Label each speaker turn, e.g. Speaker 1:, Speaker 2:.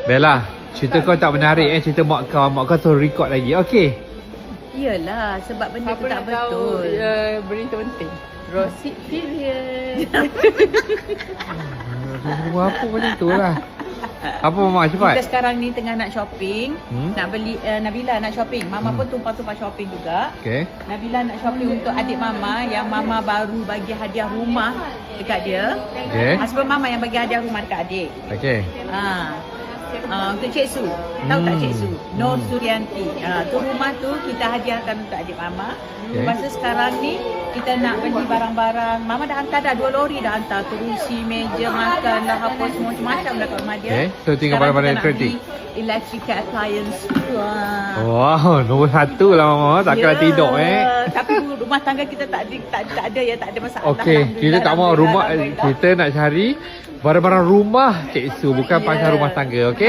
Speaker 1: Bella, cerita kau tak menarik cerita mak kau suruh record lagi. Okey.
Speaker 2: Iyalah, sebab benda tu tak betul.
Speaker 3: Berita penting. Rosid period.
Speaker 1: Apa macam tu lah. Apa Mama cepat?
Speaker 2: Kita sekarang ni tengah nak shopping. Nak beli, Nabila nak shopping. Mama pun tumpah-tumpah shopping juga.
Speaker 1: Okey.
Speaker 2: Nabila nak shopping untuk adik Mama yang Mama baru bagi hadiah rumah dekat dia.
Speaker 1: Okey.
Speaker 2: Husband Mama yang bagi hadiah rumah dekat adik.
Speaker 1: Okey.
Speaker 2: Untuk Cik Su. Tahu tak Cik Su? Nur Suryanti. Tu rumah tu kita hadiahkan untuk adik Mama.
Speaker 1: Okay.
Speaker 2: Lepas tu sekarang ni kita nak beli barang-barang. Mama dah hantar dah 2 lori dah hantar. Kerusi, meja, makan dah apa semua macam-macam dah kat rumah dia.
Speaker 1: Okay. So tinggal barang-barang elektrik.
Speaker 2: Electrical appliance.
Speaker 1: Wow, nombor 1 lah Mama. Takkan tidur
Speaker 2: Tapi rumah tangga kita tak ada ya, tak ada masalah.
Speaker 1: Okey, kita tak mau rumah, kita nak cari barang-barang rumah Cik Su, bukan pasal rumah tangga, okey?